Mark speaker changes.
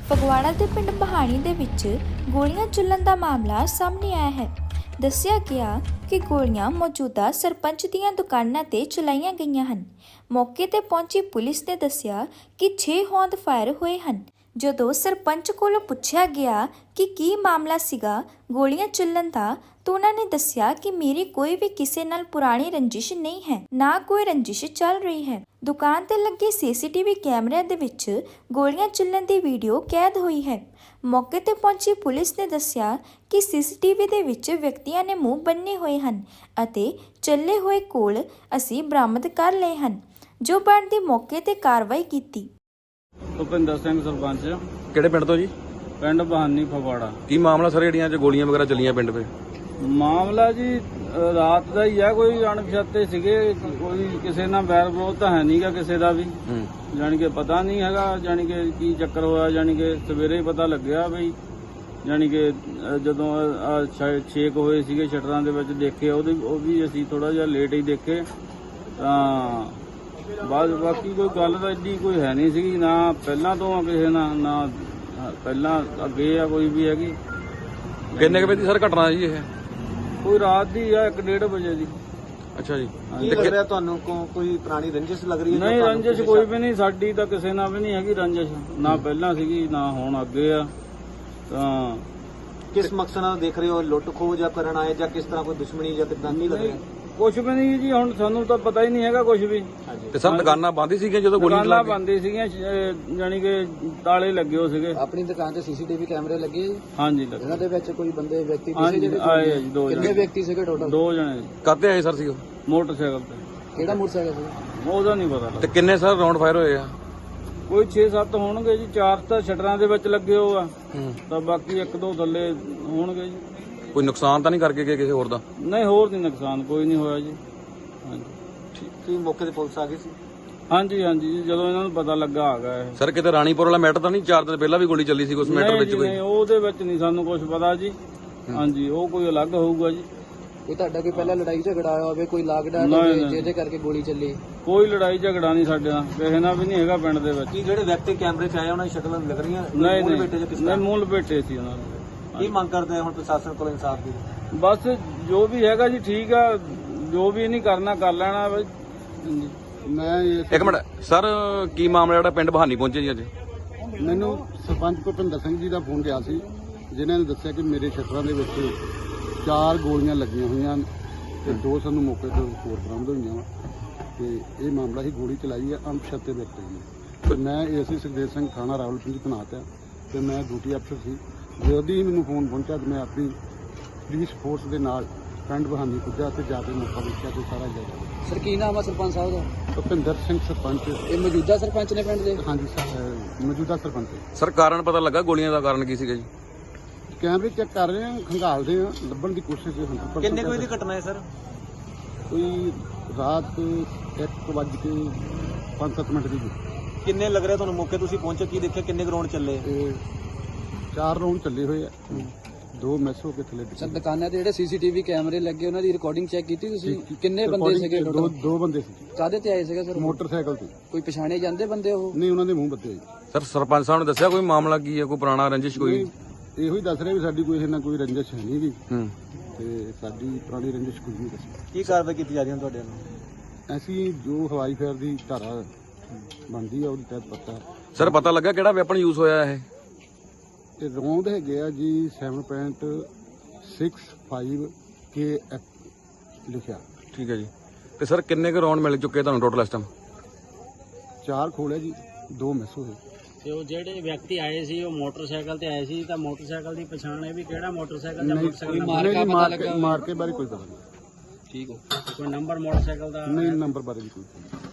Speaker 1: ਫਗਵਾੜਾ ਦੇ ਪਿੰਡ ਬਹਾਣੀ ਦੇ ਵਿੱਚ ਗੋਲੀਆਂ ਚੱਲਣ ਦਾ ਮਾਮਲਾ ਸਾਹਮਣੇ ਆਇਆ ਹੈ। ਦੱਸਿਆ ਗਿਆ ਕਿ ਗੋਲੀਆਂ ਮੌਜੂਦਾ ਸਰਪੰਚ ਦੀਆਂ ਦੁਕਾਨਾਂ ਤੇ ਚਲਾਈਆਂ ਗਈਆਂ ਹਨ। ਮੌਕੇ ਤੇ ਪਹੁੰਚੀ ਪੁਲਿਸ ਨੇ ਦੱਸਿਆ ਕਿ 6 ਹੌਂਦ ਫਾਇਰ ਹੋਏ ਹਨ। ਜਦੋਂ ਸਰਪੰਚ ਕੋਲੋਂ ਪੁੱਛਿਆ ਗਿਆ ਕਿ ਕੀ ਮਾਮਲਾ ਸੀਗਾ ਗੋਲੀਆਂ ਚੱਲਣ ਦਾ, ਤਾਂ ਉਹਨਾਂ ਨੇ ਦੱਸਿਆ ਕਿ ਮੇਰੀ ਕੋਈ ਵੀ ਕਿਸੇ ਨਾਲ ਪੁਰਾਣੀ ਰੰਜਿਸ਼ ਨਹੀਂ ਹੈ, ਨਾ ਕੋਈ ਰੰਜਿਸ਼ ਚੱਲ ਰਹੀ ਹੈ। ਦੁਕਾਨ ਤੇ ਲੱਗੇ ਸੀਸੀਟੀਵੀ ਕੈਮਰਿਆਂ ਦੇ ਵਿੱਚ ਗੋਲੀਆਂ ਚੱਲਣ ਦੀ ਵੀਡੀਓ ਕੈਦ ਹੋਈ ਹੈ। ਮੌਕੇ ਤੇ ਪਹੁੰਚੀ ਪੁਲਿਸ ਨੇ ਦੱਸਿਆ ਕਿ ਸੀਸੀਟੀਵੀ ਦੇ ਵਿੱਚ ਵਿਅਕਤੀਆਂ ਨੇ ਮੂੰਹ ਬੰਨੇ ਹੋਏ ਹਨ ਅਤੇ ਚੱਲੇ ਹੋਏ ਕੋਲ ਅਸੀਂ ਬਰਾਮਦ ਕਰ ਲਏ ਹਨ, ਜੋ ਬਣਦੀ ਮੌਕੇ ਤੇ ਕਾਰਵਾਈ ਕੀਤੀ।
Speaker 2: ਭੁਪਿੰਦਰ ਸਿੰਘ ਸਰਪੰਚ।
Speaker 3: ਕਿਹੜੇ ਪਿੰਡ ਤੋਂ ਜੀ?
Speaker 2: ਪਿੰਡ ਬਹਾਨੀ ਫਗਵਾੜਾ।
Speaker 3: ਕੀ ਮਾਮਲਾ ਸਰ ਜਿਹੜੀਆਂ ਚ ਗੋਲੀਆਂ ਵਗੈਰਾ ਚੱਲੀਆਂ ਪਿੰਡ 'ਤੇ?
Speaker 2: ਮਾਮਲਾ ਜੀ ਰਾਤ ਦਾ ਹੀ ਆ। ਕੋਈ ਅਣਪਛਾਤੇ ਸੀਗੇ, ਕੋਈ ਕਿਸੇ ਨਾਲ ਵੈਰ ਵਿਰੋਧ ਤਾਂ ਹੈ ਨਹੀਂਗਾ ਕਿਸੇ ਦਾ ਵੀ, ਜਾਣੀ ਕਿ ਪਤਾ ਨਹੀਂ ਹੈਗਾ ਜਾਣੀ ਕਿ ਕੀ ਚੱਕਰ ਹੋਇਆ। ਜਾਣੀ ਕਿ ਸਵੇਰੇ ਹੀ ਪਤਾ ਲੱਗਿਆ ਬਈ, ਜਾਣੀ ਕਿ ਜਦੋਂ 6 ਹੋਏ ਸੀਗੇ ਸ਼ਟਰਾਂ ਦੇ ਵਿੱਚ ਦੇਖੇ, ਉਹ ਵੀ ਅਸੀਂ ਥੋੜਾ ਜਿਹਾ ਲੇਟ ਹੀ ਦੇਖੇ ਤਾਂ ਬਾਕੀ ਕੋਈ ਗੱਲ ਤਾਂ ਏਡੀ ਕੋਈ ਹੈ ਨਹੀਂ ਸੀਗੀ, ਨਾ ਪਹਿਲਾਂ ਤੋਂ ਆ ਕਿਸੇ ਨਾਲ, ਨਾ ਪਹਿਲਾਂ ਅੱਗੇ ਆ ਕੋਈ ਵੀ ਹੈਗੀ।
Speaker 3: ਕਿੰਨੇ ਕੁ ਵਜੇ ਦੀ ਸਰ ਘਟਨਾ ਜੀ ਇਹ?
Speaker 2: ਕੋਈ ਰਾਤ ਦੀ ਆ 1-1:30 ਵਜੇ ਦੀ।
Speaker 3: ਅੱਛਾ ਜੀ।
Speaker 4: ਕੀ ਲੱਗ ਰਿਹਾ ਤੁਹਾਨੂੰ? ਕੋਈ ਪੁਰਾਣੀ ਰੰਜਿਸ਼ ਲੱਗ ਰਹੀ ਹੈ?
Speaker 2: ਨਹੀਂ, ਰੰਜਿਸ਼ ਕੋਈ ਵੀ ਨਹੀਂ, ਸਾਡੀ ਤਾਂ ਕਿਸੇ ਨਾਲ ਵੀ ਨਹੀਂ ਹੈਗੀ ਰੰਜਿਸ਼, ਨਾ ਪਹਿਲਾਂ ਸੀਗੀ ਨਾ ਹੁਣ ਅੱਗੇ ਆ। ਤਾਂ
Speaker 4: ਕਿਸ ਮਕਸਦ ਨਾਲ ਦੇਖ ਰਹੇ ਹੋ? ਲੁੱਟ ਖੋਹ ਜਾਂ ਕਰਨ ਆਏ ਜਾਂ ਕਿਸ ਤਰ੍ਹਾਂ ਕੋਈ ਦੁਸ਼ਮਣੀ ਜਾਂ ਕਿੱਦਾਂ ਕੀ ਲੱਗ ਰਿਹਾ?
Speaker 2: ਕੁਛ ਵੀ ਨਹੀਂ ਜੀ, ਹੁਣ ਸਾਨੂੰ ਤਾਂ ਪਤਾ ਹੀ ਨਹੀਂ ਹੈਗਾ ਕੁਛ ਵੀ।
Speaker 3: ਤੇ ਸਰ ਦੁਕਾਨਾਂ ਬੰਦ ਸੀਗੀਆਂ ਜਦੋਂ ਗੋਲੀ
Speaker 2: ਦੁਕਾਨਾਂ ਬੰਦ ਸੀਗੀਆਂ, ਜਾਣੀ ਕਿ ਤਾਲੇ ਲੱਗੇ ਹੋ ਸੀਗੇ।
Speaker 4: ਆਪਣੀ ਦੁਕਾਨ ਤੇ ਸੀਸੀਟੀਵੀ ਕੈਮਰੇ ਲੱਗੇ?
Speaker 2: ਹਾਂਜੀ ਲੱਗੇ।
Speaker 4: ਇਹਨਾਂ ਦੇ ਵਿੱਚ ਕੋਈ ਬੰਦੇ ਵਿਅਕਤੀ
Speaker 2: ਆਏ ਜੀ 2
Speaker 4: ਕਿੰਨੇ ਵਿਅਕਤੀ ਸੀਗੇ ਟੋਟਲ?
Speaker 2: 2 ਜਣੇ।
Speaker 3: ਕਾਹਤੇ ਆਏ ਸਰ ਸੀ ਉਹ?
Speaker 2: ਮੋਟਰਸਾਈਕਲ ਤੇ।
Speaker 4: ਕਿਹੜਾ ਮੋਟਰਸਾਈਕਲ ਸੀ?
Speaker 2: ਉਹਦਾ ਨਹੀਂ ਪਤਾ
Speaker 3: ਤੇ
Speaker 2: ਲੱਗਾ।
Speaker 3: ਕਿੰਨੇ ਸਰ ਰਾਉਂਡ ਫਾਇਰ ਹੋਏ ਆ?
Speaker 2: ਕੋਈ 6-7 ਹੋਣਗੇ ਜੀ, 4 ਤਾਂ ਸ਼ਟਰਾਂ ਦੇ ਵਿੱਚ ਲੱਗੇ ਹੋ ਆ, ਤਾਂ ਬਾਕੀ 1-2 ਥੱਲੇ ਹੋਣਗੇ ਜੀ।
Speaker 3: ਕੋਈ ਨੁਕਸਾਨ ਤਾਂ ਨਹੀਂ ਕਰਕੇ ਗਏ ਕਿਸੇ ਹੋਰ ਦਾ?
Speaker 2: ਨਹੀਂ, ਹੋਰ ਨਹੀਂ ਨੁਕਸਾਨ ਕੋਈ ਨਹੀਂ ਹੋਇਆ ਜੀ। ਹਾਂਜੀ
Speaker 4: ਕੀ ਮੌਕੇ ਤੇ ਪੁਲਿਸ ਆ ਗਈ ਸੀ?
Speaker 2: ਹਾਂਜੀ ਜੀ, ਜਦੋਂ ਇਹਨਾਂ ਨੂੰ ਪਤਾ ਲੱਗਾ ਆ ਗਿਆ ਇਹ।
Speaker 3: ਸਰ ਕਿਤੇ ਰਾਣੀਪੁਰ ਵਾਲਾ ਮੈਟਰ ਤਾਂ ਨਹੀਂ? 4 ਦਿਨ ਪਹਿਲਾਂ ਵੀ ਗੋਲੀ ਚੱਲੀ ਸੀ ਉਸ ਮੈਟਰ ਵਿੱਚ ਕੋਈ?
Speaker 2: ਨਹੀਂ, ਉਹਦੇ ਵਿੱਚ ਨਹੀਂ ਸਾਨੂੰ ਕੁਝ ਪਤਾ ਜੀ। ਹਾਂਜੀ, ਉਹ ਕੋਈ ਅਲੱਗ ਹੋਊਗਾ ਜੀ।
Speaker 4: ਕੋਈ ਤੁਹਾਡਾ ਕੋਈ ਪਹਿਲਾਂ ਲੜਾਈ ਝਗੜਾ ਆਇਆ ਹੋਵੇ, ਕੋਈ ਲਾਕਡਾਊਨ ਜਿਹਦੇ ਕਰਕੇ ਗੋਲੀ ਚੱਲੀ?
Speaker 2: ਕੋਈ ਲੜਾਈ ਝਗੜਾ ਨਹੀਂ ਸਾਡੇ ਨਾਲ, ਕਿਸੇ ਨਾਲ ਵੀ ਨਹੀਂ ਹੈਗਾ ਪਿੰਡ ਦੇ ਵਿੱਚ।
Speaker 4: ਕੀ ਜਿਹੜੇ ਵਿਅਕਤੀ ਕੈਮਰੇ 'ਚ ਆਏ ਉਹਨਾਂ ਦੀ ਸ਼ਕਲਾਂ ਲੱਗ ਰਹੀਆਂ?
Speaker 2: ਨਹੀਂ, ਮੂਲ ਬੇਟੇ ਸੀ ਉਹਨਾਂ ਦੇ।
Speaker 4: ਕੀ ਮੰਗ ਕਰਦੇ ਆ ਹੁਣ ਪ੍ਰਸ਼ਾਸਨ ਕੋਲ ਇਨਸਾਫ ਦੀ?
Speaker 2: ਬਸ ਜੋ ਵੀ ਹੈਗਾ ਜੀ ਠੀਕ ਆ, ਜੋ ਵੀ ਨਹੀਂ ਕਰਨਾ ਕਰ ਲੈਣਾ ਬਈ।
Speaker 4: ਮੈਂ
Speaker 3: ਇੱਕ ਮਿੰਟ ਸਰ, ਕੀ ਮਾਮਲਾ ਜਿਹੜਾ ਪਿੰਡ ਬਹਾਨੀ ਪਹੁੰਚੇ ਜੀ ਅੱਜ?
Speaker 5: ਮੈਨੂੰ ਸਰਪੰਚ ਭੁਪਿੰਦਰ ਸਿੰਘ ਜੀ ਦਾ ਫੋਨ ਗਿਆ ਸੀ, ਜਿਨ੍ਹਾਂ ਨੇ ਦੱਸਿਆ ਕਿ ਮੇਰੇ ਸ਼ਟਰਾਂ ਦੇ ਵਿੱਚ 4 ਗੋਲੀਆਂ ਲੱਗੀਆਂ ਹੋਈਆਂ ਤੇ 2 ਸਾਨੂੰ ਮੌਕੇ ਤੋਂ ਹੋਰ ਬਰਾਮਦ ਹੋਈਆਂ ਵਾ ਤੇ ਇਹ ਮਾਮਲਾ ਹੀ ਗੋਲੀ ਚਲਾਈ ਹੈ ਅਣਪਛਾਤੇ ਵਿਅਕਤੀ ਨੇ। ਤੇ ਮੈਂ ਏਸੀ ਸੁਖਦੇਵ ਸਿੰਘ ਥਾਣਾ ਰਾਵਲਪਿੰਡੀ ਤੈਨਾਤ ਆ ਤੇ ਮੈਂ ਡਿਊਟੀ ਅਫਸਰ ਸੀ। ਜਦੋਂ ਹੀ ਮੈਨੂੰ ਫੋਨ ਪਹੁੰਚਿਆ ਤੇ ਮੈਂ ਆਪਣੀ ਪੁਲਿਸ ਫੋਰਸ ਦੇ ਨਾਲ ਪਿੰਡ ਬਹਾਨੀ ਪੁੱਜਾ ਤੇ ਜਾ ਕੇ ਮੌਕਾ ਦੇਖਿਆ ਤੇ ਸਾਰਾ ਜਗ੍ਹਾ।
Speaker 4: ਸਰ ਕੀ ਨਾਮ ਆ ਸਰਪੰਚ ਸਾਹਿਬ ਦਾ?
Speaker 5: ਭੁਪਿੰਦਰ ਸਿੰਘ ਸਰਪੰਚ।
Speaker 4: ਇਹ ਮੌਜੂਦਾ ਸਰਪੰਚ ਨੇ ਪਿੰਡ ਦੇ?
Speaker 5: ਹਾਂਜੀ ਮੌਜੂਦਾ ਸਰਪੰਚ।
Speaker 3: ਸਰ ਕਾਰਨ ਪਤਾ ਲੱਗਾ ਗੋਲੀਆਂ ਦਾ ਕਾਰਨ ਕੀ ਸੀਗਾ ਜੀ?
Speaker 5: ਕੈਮਰੇ ਚੈੱਕ ਕਰ ਰਹੇ ਹਾਂ, ਖੰਗਾਲਦੇ ਹਾਂ, ਲੱਭਣ ਦੀ ਕੋਸ਼ਿਸ਼ ਹੈ।
Speaker 4: ਕਿੰਨੇ ਕੋਈ ਦੀ ਘਟਨਾ ਹੈ ਸਰ?
Speaker 5: ਕੋਈ ਰਾਤ 1:05 ਦੀ।
Speaker 4: ਕਿੰਨੇ ਲੱਗ ਰਿਹਾ ਤੁਹਾਨੂੰ? ਮੌਕੇ ਤੁਸੀਂ ਪਹੁੰਚੇ, ਕੀ ਦੇਖਿਆ? ਕਿੰਨੇ ਗਰਾਊਂਡ ਚੱਲੇ?
Speaker 5: 4 ਰਾਉਂਡ ਚੱਲੇ ਹੋਏ ਆ, 2 ਮਿਸ ਹੋ ਕੇ ਥੱਲੇ
Speaker 4: ਸਰ ਦੁਕਾਨਾਂ ਤੇ ਜਿਹੜੇ ਸੀਸੀਟੀਵੀ ਕੈਮਰੇ ਲੱਗੇ ਉਹਨਾਂ ਦੀ ਰਿਕਾਰਡਿੰਗ ਚੈੱਕ ਕੀਤੀ ਤੁਸੀਂ? ਕਿੰਨੇ ਬੰਦੇ ਸੀਗੇ ਟੋਟਲ?
Speaker 5: 2 ਬੰਦੇ ਸੀ।
Speaker 4: ਕਾਹਦੇ ਤੇ ਆਏ ਸੀਗੇ ਸਰ?
Speaker 5: ਮੋਟਰਸਾਈਕਲ ਤੇ।
Speaker 4: ਕੋਈ ਪਛਾਣੇ ਜਾਂਦੇ ਬੰਦੇ ਉਹ?
Speaker 5: ਨਹੀਂ, ਉਹਨਾਂ ਦੇ ਮੂੰਹ ਬੱਤੇ ਹੋਏ।
Speaker 3: ਸਰ ਸਰਪੰਚ ਸਾਹਿਬ ਨੇ ਦੱਸਿਆ ਕੋਈ ਮਾਮਲਾ ਕੀ ਹੈ? ਕੋਈ ਪੁਰਾਣਾ ਰੰਜਿਸ਼ ਕੋਈ?
Speaker 5: ਇਹੋ ਹੀ ਦੱਸ ਰਹੇ ਵੀ ਸਾਡੀ ਕੋਈ ਇਹਨਾਂ ਕੋਈ ਰੰਜਿਸ਼ ਹੈ ਨਹੀਂ ਵੀ ਤੇ ਸਾਡੀ ਪੁਰਾਣੀ ਰੰਜਿਸ਼ ਕੁਝ ਨਹੀਂ ਦੱਸੀ।
Speaker 4: ਕੀ ਕਾਰਵਾਈ ਕੀਤੀ ਜਾ ਰਹੀ ਹੈ ਤੁਹਾਡੇ ਵੱਲੋਂ?
Speaker 5: ਅਸੀਂ ਜੋ ਹਵਾਈ ਫਾਇਰ ਦੀ ਧਾਰਾ ਬਣਦੀ ਆ ਉਹਦੇ ਤਹਿਤ ਪਤਾ।
Speaker 3: ਸਰ ਪਤਾ ਲੱਗਾ ਕਿਹੜਾ ਵੈਪਨ ਯੂਜ਼ ਹੋਇਆ ਇਹ?
Speaker 5: ਤੇ ਰੌਂਦ ਹੈਗੇ ਆ ਜੀ 7.65 KF ਲਿਖਿਆ।
Speaker 3: ਠੀਕ ਹੈ ਜੀ। ਤੇ ਸਰ ਕਿੰਨੇ ਕੁ ਰਾਉਂਡ ਮਿਲ ਚੁੱਕੇ ਤੁਹਾਨੂੰ ਟੋਟਲ ਇਸ ਟਾਈਮ?
Speaker 5: 4 ਖੋਲੇ ਜੀ, 2 ਮਿਸ ਹੋਏ।
Speaker 6: ਤੇ ਉਹ ਜਿਹੜੇ ਵਿਅਕਤੀ ਆਏ ਸੀ ਉਹ ਮੋਟਰਸਾਈਕਲ ਤੇ ਆਏ ਸੀ, ਤਾਂ ਮੋਟਰਸਾਈਕਲ ਦੀ ਪਛਾਣ ਹੈ ਵੀ ਕਿਹੜਾ ਮੋਟਰਸਾਈਕਲ ਜਾਂ ਮੋਟਰਸਾਈਕਲ
Speaker 5: ਮਾਰਕੇ ਬਾਰੇ ਕੋਈ ਪਤਾ ਨਹੀਂ।
Speaker 6: ਠੀਕ ਹੋ ਕੋਈ ਨੰਬਰ ਮੋਟਰਸਾਈਕਲ ਦਾ?
Speaker 5: ਨਹੀਂ, ਨੰਬਰ ਬਾਰੇ ਵੀ ਕੋਈ